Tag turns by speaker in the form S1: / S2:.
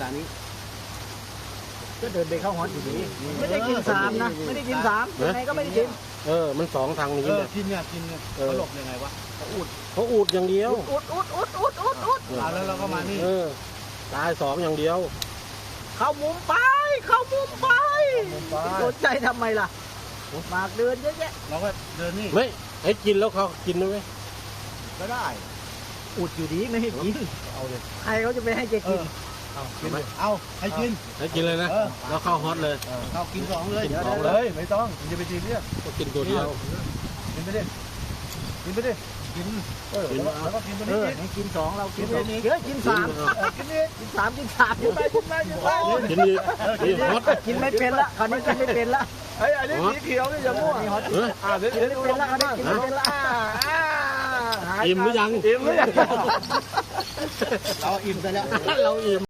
S1: ตานี้
S2: ก็เดินไปเข้าฮอตอยู่ดีไม่ได้กินสามนะไม่ได้กินสามยังไงก็ไม่ได้กิน
S3: มันสองทางนี้เนี่ย
S1: กินเนี่ยเขาหลบยังไงวะเขาอุด
S3: เขาอูดอย่างเดียว
S2: อุด
S1: แล้วเราก็มานี่
S3: ตายสองอย่างเดียว
S2: เข้ามุมไปสนใจทำไมล่ะหมากเดินเยอะแยะ
S1: เราก็เดินนี่
S3: ไม่ให้กินแล้วเขากินด้วยไหม
S1: ก็ได้
S2: อุดอยู่ดีไม่ให้กิน
S1: เอาเลย
S2: ใครเขาจะไปให้แกกิน
S1: เอากินเลยเอาให้กิน
S3: ให้กินเลยนะแล้วเข้าฮอตเลย
S1: เอากินสองเลย
S3: กินสอง
S1: เลยไม่ต้องจะไปกินเนี่ย
S3: ก็กินตัวเดียว
S1: กินไปดิกินแล้วก็กินตัว
S2: เอ
S1: นี้
S2: อให้กินสองเรากินเยอะกินสาม
S1: กินนี่
S2: กินสาม
S1: กินไป
S3: กินอีกฮอต
S2: กินไม่เป็นละคราวนี้กินไม่เป็นละ
S1: ไอ้อันนี้สีเขียวนี่อย่ามั่ว
S2: กินไม่เป็นละคราวนี้กินไม่เป็นละ
S3: อิ่มหรือยัง
S1: เราอิ่มไปแล้ว
S3: เราอิ่ม